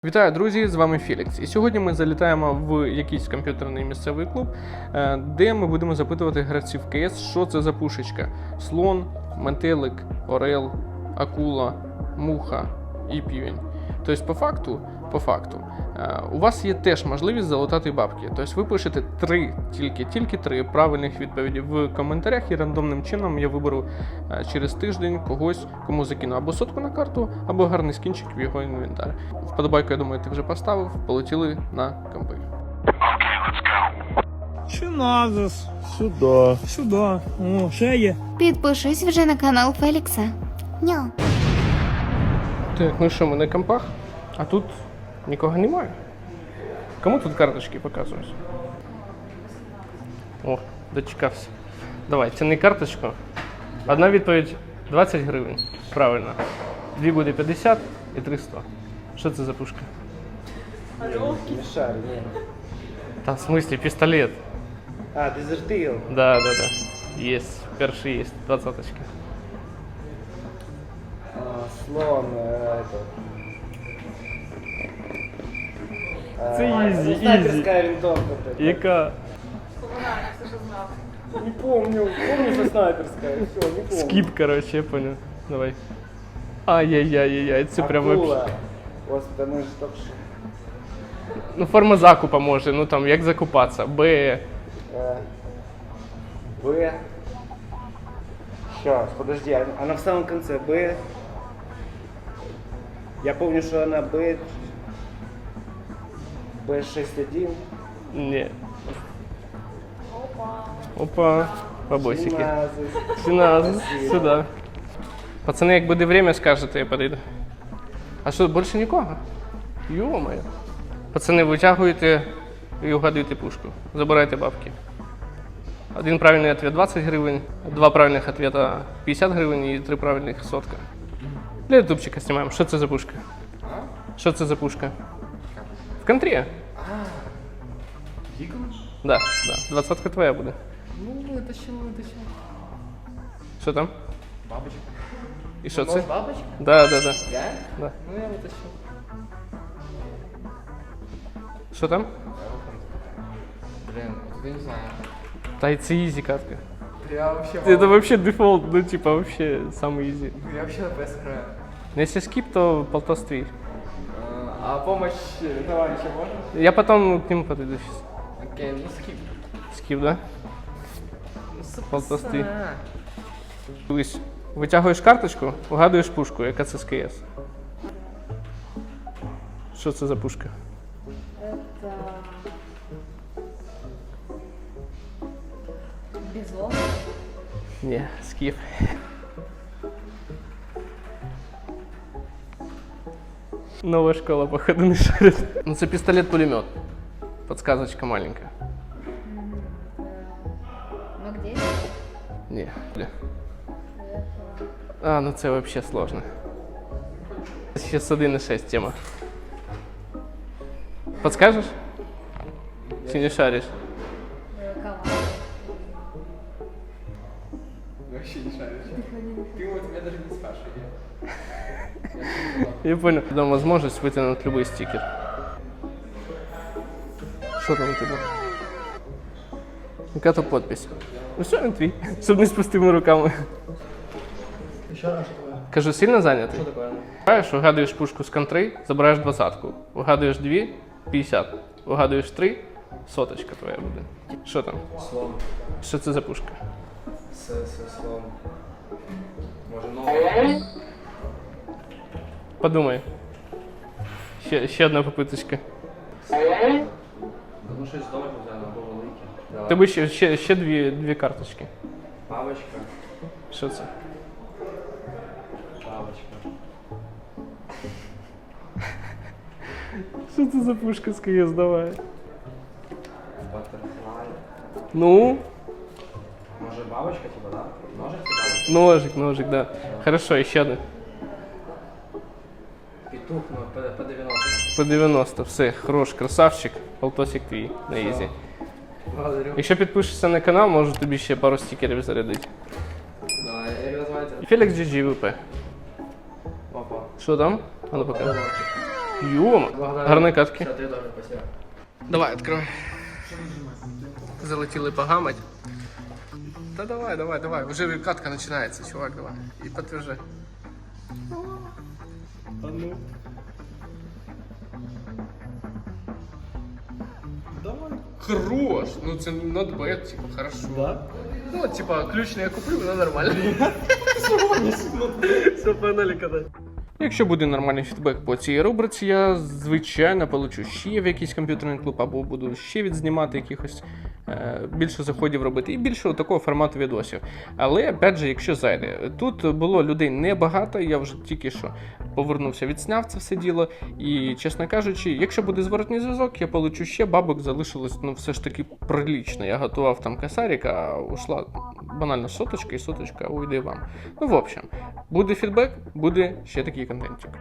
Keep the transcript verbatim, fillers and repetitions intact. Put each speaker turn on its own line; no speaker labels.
Вітаю, друзі! З вами Фелікс. І сьогодні ми залітаємо в якийсь комп'ютерний місцевий клуб, де ми будемо запитувати гравців КС, що це за пушечка. Слон, метелик, орел, акула, муха і півень. Тобто, по факту, по факту, у вас є теж можливість залутати бабки. Тобто ви пишете три, тільки, тільки три правильних відповіді в коментарях, і рандомним чином я виберу через тиждень когось, кому закину або сотку на карту, або гарний скінчик в його інвентар. Вподобайку, я думаю, ти вже поставив. Полетіли на компи.
Чи назис?
Сюда.
Сюди. О, ще є.
Підпишись вже на канал Фелікса. Ньо.
Так, ну що, ми на компах, а тут нікого немає. Кому тут карточки показують? О, дочекався. Давай, тяни карточку. Одна відповідь двадцять гривень. Правильно. Дві буде п'ятдесят і три сто. Що це за пушка?
Мишар, ні.
Та в смысле пістолет.
А, дезертил.
Да, да, да. Есть. Перший есть. Двадцаточки.
А, слон, э, это. А,
Це easy,
снайперская винтовка. такая.
Яка?
Не помню, помню, что снайперская, все, не помню.
Скип, короче, я понял. Давай. Ай-яй-яй-яй, це прям
Акула.
вообще.
Господи, мы же только что.
Ну, форма закупа може, ну там, як закупатися. Б.
Э, Б. Сейчас, подожди, а- она в самом конце Б. Я помню, что она Б. Б шесть один.
Ні. Опа. Бабосики.
семнадцать.
Синаз,
Спасибо.
сюди. Пацани, як буде время, скажете, я подойду. А що, більше нікого? Йо-моє. Пацани, витягуєте і угадуєте пушку. Забирайте бабки. Один правильний відповідь двадцять гривень, два правильних відповіді п'ятдесят гривень і три правильних сотка. Для ютубчика знімаємо. Що це за пушка? Що це за пушка? В контрі. Да, да. Двадцатка твоя буде.
Ну, вытащил, вытащил.
Що там?
Бабочка.
І що це?
Может, бабочка?
Да, да, да.
Я?
Да.
Ну, я вытащил.
Що там?
Блин, я не знаю.
Та й це ізі катка.
Я вообще...
Это вообще дефолт, ну типа вообще самый изи.
Я вообще на ПС играю.
Но если скип, то полтос твій.
А помощь товарища можно?
Я потом к нему подойду сейчас.
Окей, ну скип.
Скип, да?
Ну, супер.
Полтос твій. Дивись, витягуєш карточку, вгадуєш пушку, яка це з КС. Що це за пушка?
Это бизон.
Ні, скип. Новая школа, походу, не шарит. Ну, це пістолет-пулемет. Подсказочка маленькая.
Ну где?
Не, бля. А, ну це вообще сложно. Сейчас один і шесть тема. Подскажешь? Чи не шаришь?
Э, Команда.
Вообще не шаришь. Ты вот меня даже не спрашивай.
Я понял. Дам возможность вытянуть любой стикер. Что там у тебя? Яка то подпись? Ну що він твій? Щоб не з пустими руками.
Еще раз, что такое?
Кажу, сильно зайнятий?
Что такое?
Вгадуєш, вигадуєш пушку з контри, забираєш двадцятку. Вигадуєш дві, п'ятдесят. Вигадуєш три, соточка твоя буде. Що там?
Слон.
Що це за пушка?
С, с, слон. Может, новый?
Подумай. Ще, ще одна попиточка.
Ну, что из дома нельзя, на великий. Давай.
Тебе ще, ще, ще дві, дві карточки.
Бабочка.
Що це?
Бабочка.
Що це за пушка з КС, давай?
Баттерфлай.
Ну,
Может, бабочка, типа, да? Ножик, типа?
ножик, ножик, да. Хорошо, ще одна.
Петух, ну, по, по девяносто.
По девяносто, все, хорош, красавчик, полтосик твій на ізі.
Благодарю.
Якщо підпишешся на канал, можу тобі ще пару стикерів зарядити.
Давай, як називається?
Фелікс джі джі ві пі.
Опа.
Що там? А ну покажи.
Балончик.
Йома, гарні катки.
Все, ты тоже, спасибо.
Давай, открывай. Залетіли погамать. Та давай, давай, давай. Уже катка начинается, чувак, давай. И подтверждай. А ну. Давай. Хорош. Ну це not bad, типа, хорошо. Да? Ну, типа, ключ я куплю, но нормально. Все, погнали катать. Якщо буде нормальний фідбек по цій рубриці, я, звичайно, получу ще в якийсь комп'ютерний клуб, або буду ще відзнімати якихось е, більше заходів робити, і більше такого формату відосів. Але, опять же, якщо зайде, тут було людей небагато, я вже тільки що повернувся, відсняв це все діло, і, чесно кажучи, якщо буде зворотний зв'язок, я получу ще, бабок залишилось, ну, все ж таки прилично. Я готував там косарик, а ушла банально соточка, і соточка уйде вам. Ну, в общем, буде фідбек, буде ще такий контентик.